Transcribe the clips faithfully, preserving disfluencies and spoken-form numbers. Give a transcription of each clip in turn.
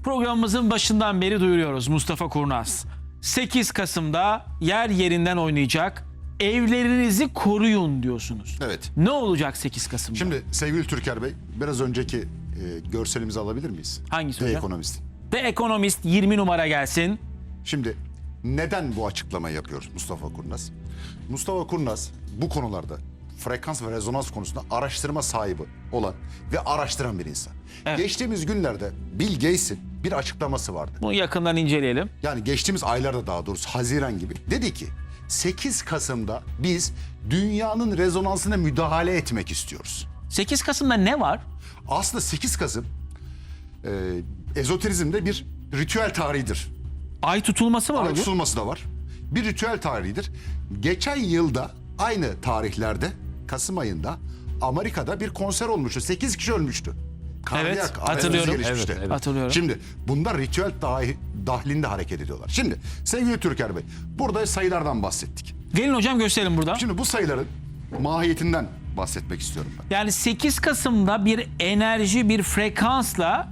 Programımızın başından beri duyuruyoruz Mustafa Kurnaz. sekiz Kasım'da yer yerinden oynayacak. Evlerinizi koruyun diyorsunuz. Evet. Ne olacak sekiz Kasım'da? Şimdi sevgili Türker Bey, biraz önceki e, görselimizi alabilir miyiz? Hangisi The hocam? Economist. The Economist yirmi numara gelsin. Şimdi neden bu açıklamayı yapıyoruz Mustafa Kurnaz? Mustafa Kurnaz bu konularda frekans ve rezonans konusunda araştırma sahibi olan ve araştıran bir insan. Evet. Geçtiğimiz günlerde Bill Gates'in bir açıklaması vardı. Bunu yakından inceleyelim. Yani geçtiğimiz aylarda, daha doğrusu Haziran gibi. Dedi ki sekiz Kasım'da biz dünyanın rezonansına müdahale etmek istiyoruz. sekiz Kasım'da ne var? Aslında sekiz Kasım e, ezoterizmde bir ritüel tarihidir. Ay tutulması var Ay hocam. tutulması da var. Bir ritüel tarihidir. Geçen yılda aynı tarihlerde Kasım ayında Amerika'da bir konser olmuştu. sekiz kişi ölmüştü. Kardiyak Evet, arrest hatırlıyorum. gelişmişti. Evet, evet. Hatırlıyorum. Şimdi bunlar ritüel dahi, dahilinde hareket ediyorlar. Şimdi sevgili Türker Bey, burada sayılardan bahsettik. Gelin hocam gösterelim burada. Şimdi bu sayıların mahiyetinden bahsetmek istiyorum ben. Yani sekiz Kasım'da bir enerji, bir frekansla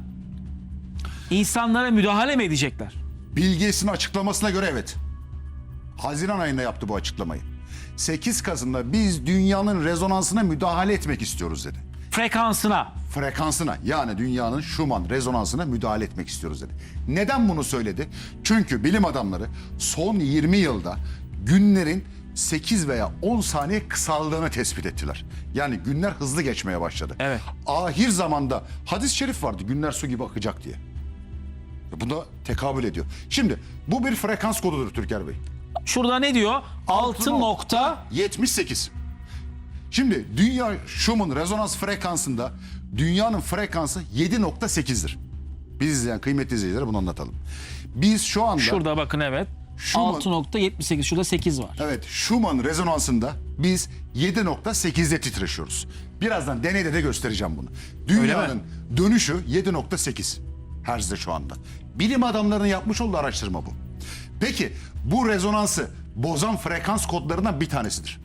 insanlara müdahale mi edecekler? Bill Gates'in açıklamasına göre evet. Haziran ayında yaptı bu açıklamayı. sekiz Kasım'da biz dünyanın rezonansına müdahale etmek istiyoruz dedi. Frekansına. Frekansına, yani dünyanın Schumann rezonansına müdahale etmek istiyoruz dedi. Neden bunu söyledi? Çünkü bilim adamları son yirmi yılda günlerin sekiz veya on saniye kısaldığını tespit ettiler. Yani günler hızlı geçmeye başladı. Evet. Ahir zamanda hadis-i şerif vardı, günler su gibi akacak diye. Buna tekabül ediyor. Şimdi bu bir frekans kodudur Türker Bey. Şurada ne diyor? altı nokta yetmiş sekiz. Şimdi dünya Schumann rezonans frekansında dünyanın frekansı yedi nokta sekizdir. Biz izleyen kıymetli izleyicilere bunu anlatalım. Biz şu anda Şurada bakın evet. Schumann- altı nokta yetmiş sekiz, şurada sekiz var. evet Schumann rezonansında biz yedi nokta sekizde titreşiyoruz. Birazdan deneyde de göstereceğim bunu. Dünyanın dönüşü yedi nokta sekiz Hz'de şu anda. Bilim adamlarının yapmış olduğu araştırma bu. Peki bu rezonansı bozan frekans kodlarından bir tanesidir.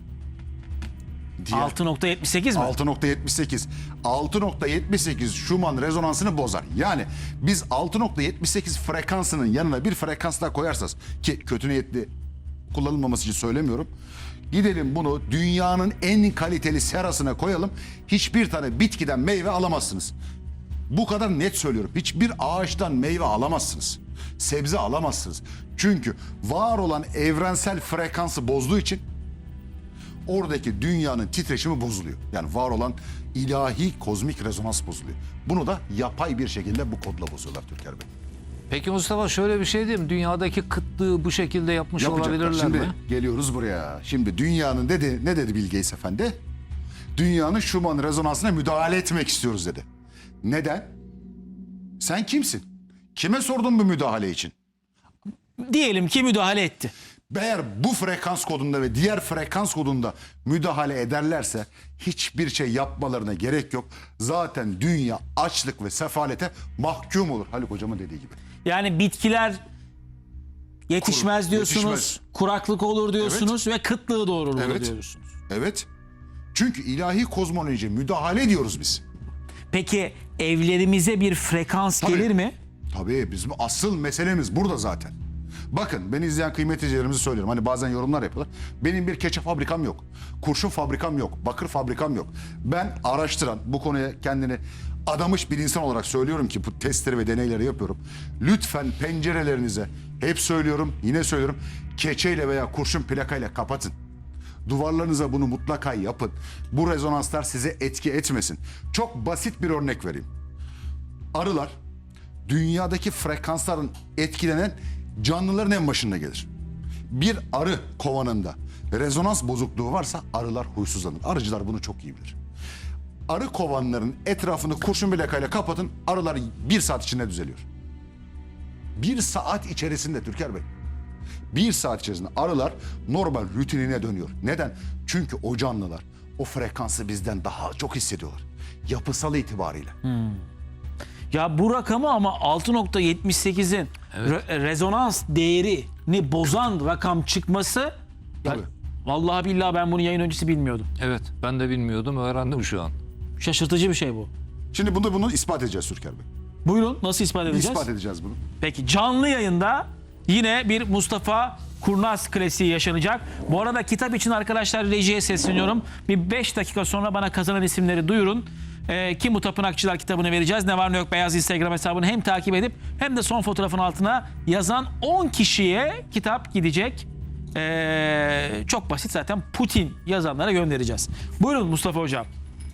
Diğer- altı nokta yetmiş sekiz mi? altı nokta yetmiş sekiz. altı nokta yetmiş sekiz Schumann rezonansını bozar. Yani biz altı nokta yetmiş sekiz frekansının yanına bir frekans daha koyarsanız, ki kötü niyetli kullanılmaması için söylemiyorum. Gidelim bunu dünyanın en kaliteli serasına koyalım. Hiçbir tane bitkiden meyve alamazsınız. Bu kadar net söylüyorum. Hiçbir ağaçtan meyve alamazsınız. Sebze alamazsınız. Çünkü var olan evrensel frekansı bozduğu için oradaki dünyanın titreşimi bozuluyor. Yani var olan ilahi kozmik rezonans bozuluyor. Bunu da yapay bir şekilde bu kodla bozuyorlar Türker Bey. Peki Mustafa, şöyle bir şey diyeyim. Dünyadaki kıtlığı bu şekilde yapmış Yapacaklar. olabilirler Şimdi mi? geliyoruz buraya. Şimdi dünyanın dedi, ne dedi Bill Gates efendi? Dünyanın Schumann rezonansına müdahale etmek istiyoruz dedi. Neden? Sen kimsin? Kime sordun bu müdahale için? Diyelim ki müdahale etti. Eğer bu frekans kodunda ve diğer frekans kodunda müdahale ederlerse hiçbir şey yapmalarına gerek yok. Zaten dünya açlık ve sefalete mahkum olur. Haluk hocamın dediği gibi. Yani bitkiler yetişmez Kur- diyorsunuz. yetişmez. Kuraklık olur diyorsunuz ve kıtlığı doğurur Evet. diyorsunuz. Evet. Çünkü ilahi kozmolojiye müdahale ediyoruz biz. Peki evlerimize bir frekans Tabii. gelir mi? Tabii bizim asıl meselemiz burada zaten. Bakın, beni izleyen kıymetli izleyicilerimize söylüyorum. Hani bazen yorumlar yapıyorlar. Benim bir keçe fabrikam yok. Kurşun fabrikam yok. Bakır fabrikam yok. Ben araştıran, bu konuya kendini adamış bir insan olarak söylüyorum ki bu testleri ve deneyleri yapıyorum. Lütfen pencerelerinize, hep söylüyorum, yine söylüyorum, keçeyle veya kurşun plakayla kapatın. Duvarlarınıza bunu mutlaka yapın. Bu rezonanslar size etki etmesin. Çok basit bir örnek vereyim. Arılar dünyadaki frekansların etkilenen canlıların en başında gelir. Bir arı kovanında rezonans bozukluğu varsa arılar huysuzlanır. Arıcılar bunu çok iyi bilir. Arı kovanlarının etrafını kurşun plakayla kapatın, arılar bir saat içinde düzeliyor. Bir saat içerisinde Türker Bey. Bir saat içerisinde arılar normal rutinine dönüyor. Neden? Çünkü o canlılar o frekansı bizden daha çok hissediyorlar. Yapısal itibariyle. Ya bu rakamı ama altı nokta yetmiş sekizin re- rezonans değerini bozan rakam çıkması ya, Tabii. vallahi billahi ben bunu yayın öncesi bilmiyordum. Evet, ben de bilmiyordum, öğrendim şu an. Şaşırtıcı bir şey bu. Şimdi bunu bunu ispat edeceğiz Türker Bey. Buyurun, nasıl ispat edeceğiz? İspat edeceğiz bunu. Peki canlı yayında yine bir Mustafa Kurnaz klasiği yaşanacak. Bu arada kitap için arkadaşlar rejiye sesleniyorum. Bir beş dakika sonra bana kazanan isimleri duyurun. Ee, kim bu Tapınakçılar kitabını vereceğiz? Ne var ne yok Beyaz Instagram hesabını hem takip edip hem de son fotoğrafın altına yazan on kişiye kitap gidecek. Ee, çok basit zaten, Putin yazanlara göndereceğiz. Buyurun Mustafa Hocam.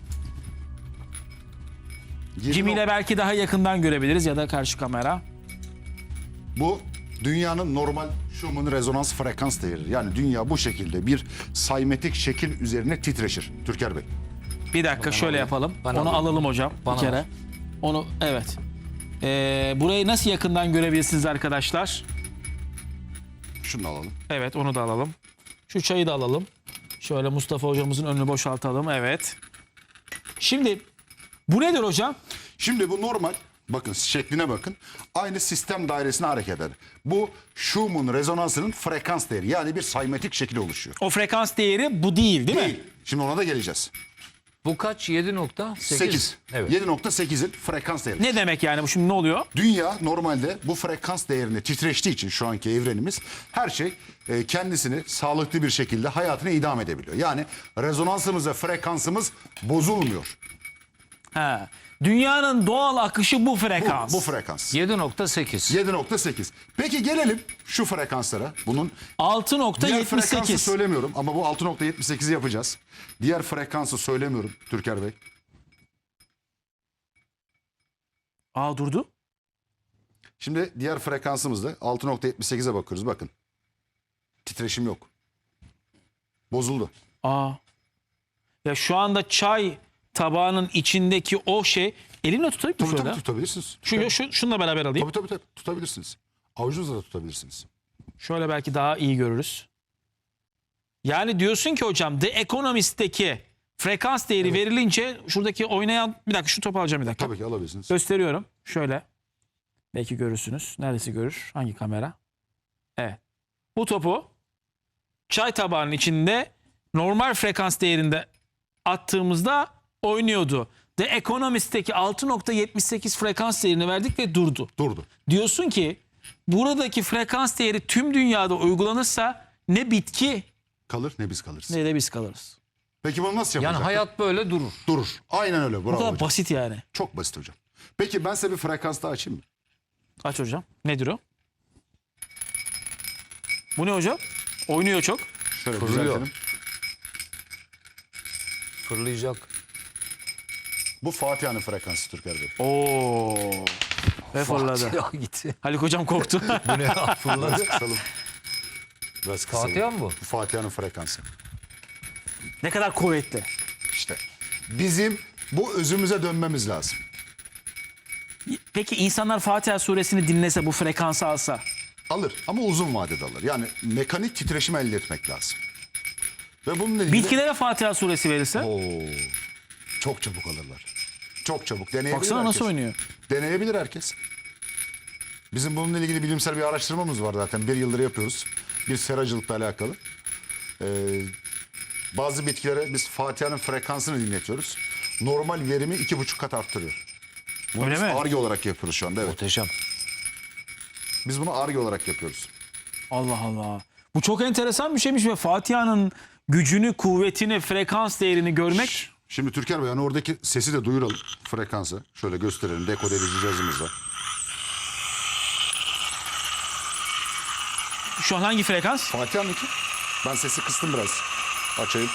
Jimmy ile belki daha yakından görebiliriz ya da karşı kamera. Bu dünyanın normal Schumann rezonans frekans değeri. Yani dünya bu şekilde bir saymetik şekil üzerine titreşir. Türker Bey. Bir dakika şöyle alayım. yapalım. Ben Onu alayım. alalım hocam Bana bir kere. ver. Onu evet. Ee, burayı nasıl yakından görebilirsiniz arkadaşlar? Şunu da alalım. Evet, onu da alalım. Şu çayı da alalım. Şöyle Mustafa hocamızın önünü boşaltalım. Evet. Şimdi bu nedir hocam? Şimdi bu normal. Bakın şekline bakın. Aynı sistem dairesine hareket eder. Bu Schumann rezonansının frekans değeri. Yani bir saymetik şekil oluşuyor. O frekans değeri bu değil değil mi? Değil. Şimdi ona da geleceğiz. Bu kaç? yedi nokta sekiz. sekiz. Evet. yedi nokta sekizin frekans değeri. Ne demek yani bu, şimdi ne oluyor? Dünya normalde bu frekans değerini titreştiği için şu anki evrenimiz her şey e, kendisini sağlıklı bir şekilde hayatını idame edebiliyor. Yani rezonansımız ve frekansımız bozulmuyor. Ha. Dünyanın doğal akışı bu Bu, frekans. bu frekans. yedi nokta sekiz. yedi nokta sekiz. Peki gelelim şu frekanslara. Bunun altı nokta diğer yetmiş frekansı sekiz. söylemiyorum ama bu altı nokta yetmiş sekizi yapacağız. Diğer frekansı söylemiyorum Türker Bey. Aa durdu. Şimdi diğer frekansımızda altı nokta yetmiş sekize bakıyoruz. Bakın. Titreşim yok. Bozuldu. Aa. Ya şu anda çay tabağının içindeki o şey, elimle tutayım mı Tabii şöyle? tabii tutabilirsiniz. Şu, şu, şununla beraber alayım. Tabii tabii tabii tutabilirsiniz. Avucunuzla da tutabilirsiniz. Şöyle belki daha iyi görürüz. Yani diyorsun ki hocam The Economist'teki frekans değeri verilince şuradaki oynayan, bir dakika şu topu alacağım bir dakika. Tabii ki alabilirsiniz. Gösteriyorum. Şöyle. Belki görürsünüz. Neresi görür? Hangi kamera? Evet. Bu topu çay tabağının içinde normal frekans değerinde attığımızda oynuyordu. The Economist'teki altı nokta yetmiş sekiz frekans değerini verdik ve durdu. Durdu. Diyorsun ki buradaki frekans değeri tüm dünyada uygulanırsa ne bitki Kalır ne biz kalırız. ne de biz kalırız. Peki bunu nasıl Yani yapacak? hayat böyle durur. Durur. Aynen öyle. Bu Bravo kadar hocam. basit yani. Çok basit hocam. Peki ben size bir frekans daha açayım mı? Aç hocam. Nedir o? Bu ne hocam? Oynuyor çok. Şöyle Fırlıyor. düzeltelim. Fırlayacak. Bu Fatiha'nın frekansı Türker Bey. Oo. Ve fırladı. Ya gitti. Haluk hocam korktu. Bu ne ya? Fırladı. Biraz kısalım. Biraz kısalım. Fatiha mı bu? Bu Fatiha'nın frekansı. Ne kadar kuvvetli. İşte bizim bu özümüze dönmemiz lazım. Peki insanlar Fatiha suresini dinlese, bu frekansı alsa? Alır ama uzun vadede alır. Yani mekanik titreşim elde etmek lazım. Ve bununla ilgili... Bitkilere Fatiha suresi verirse? Oo, çok çabuk alırlar. Çok çabuk. Deneyebilir Baksana herkes. nasıl oynuyor. Deneyebilir herkes. Bizim bununla ilgili bilimsel bir araştırmamız var zaten. Bir yıldır yapıyoruz. Bir seracılıkla alakalı. Ee, bazı bitkilere biz Fatiha'nın frekansını dinletiyoruz. Normal verimi iki buçuk kat arttırıyor. Bunu Öyle biz mi? Ar-Ge olarak yapıyoruz şu anda. Evet. Muhteşem. Biz bunu Ar-Ge olarak yapıyoruz. Allah Allah. Bu çok enteresan bir şeymiş ve Fatiha'nın gücünü, kuvvetini, frekans değerini görmek... Şimdi Türker Bey yani oradaki sesi de duyuralım frekansı. Şöyle gösterelim dekode edici cihazımızla. Şu an hangi frekans? Fatiha'nınki. Ben sesi kıstım biraz. Açayım.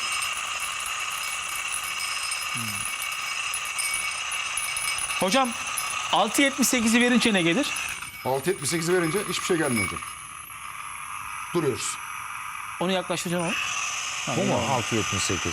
Hocam altı yetmiş sekizi verince ne gelir? altı yetmiş sekizi verince hiçbir şey gelmiyor hocam. Duruyoruz. Onu yaklaştıracağım ama. Bu mu? altı yetmiş sekiz.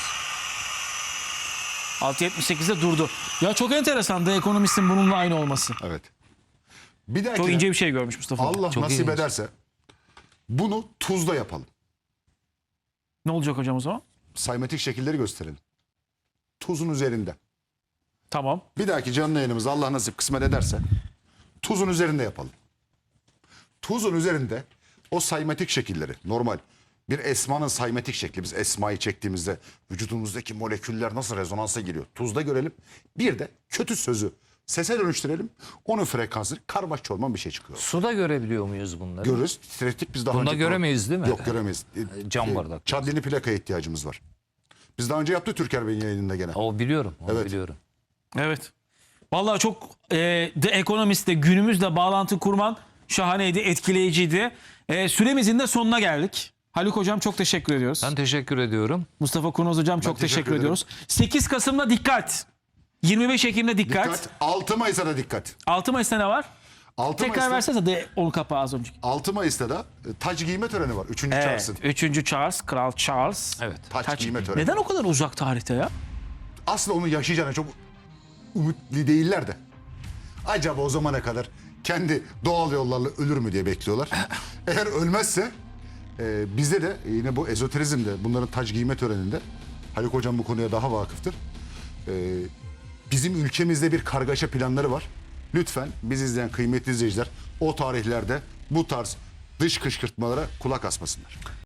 altı yetmiş sekizde durdu. Ya çok enteresan The Economist'in bununla aynı olması. Evet. Bir dahaki Çok ince bir şey görmüş Mustafa. Allah Çok nasip ilginç. ederse bunu tuzla yapalım. Ne olacak hocam o zaman? Saymetik şekilleri gösterelim. Tuzun üzerinde. Tamam. Bir dahaki canlı yayınımızda Allah nasip kısmet ederse tuzun üzerinde yapalım. Tuzun üzerinde o saymetik şekilleri normal bir esmanın saymetik şekli, biz esmayı çektiğimizde vücudumuzdaki moleküller nasıl rezonansa giriyor tuzda görelim. Bir de kötü sözü Sese dönüştürelim. Onun frekansını karmaş çorman bir şey çıkıyor. Suda görebiliyor muyuz bunları? Görürüz. Titrettik biz daha Bunda önce. göremeyiz değil mi? Yok göremeyiz. E, Cam e, bardak. Çadlini plakaya ihtiyacımız var. Biz daha önce yaptık Türker Bey'in yayınında gene. O biliyorum. Onu Evet. biliyorum. Evet. Vallahi çok e, The Economist'te günümüzle bağlantı kurman şahaneydi, etkileyiciydi. E, süremizin de sonuna geldik. Haluk Hocam çok teşekkür ediyoruz. Ben teşekkür ediyorum. Mustafa Kurnaz Hocam çok teşekkür teşekkür, ederim. ediyoruz. sekiz Kasım'da dikkat. yirmi beş Ekim'de dikkat. Dikkat. altı Mayıs'a da dikkat. altı Mayıs'ta ne var? altı Tekrar Mayıs'ta, versenize de onu kapağı az önceki. altı Mayıs'ta da e, taç giyme töreni var. Üçüncü Evet. Charles'ın. Üçüncü Charles, Kral Charles. Evet. Taç, Taç- giyme töreni. Neden o kadar uzak tarihte ya? Aslında onu yaşayacağına çok umutlu değiller de. Acaba o zamana kadar kendi doğal yollarla ölür mü diye bekliyorlar. Eğer ölmezse e, bizde de yine bu ezoterizmde bunların taç giyme töreninde Haluk Hocam bu konuya daha vakıftır. E, bizim ülkemizde bir kargaşa planları var. Lütfen biz izleyen kıymetli izleyiciler o tarihlerde bu tarz dış kışkırtmalara kulak asmasınlar.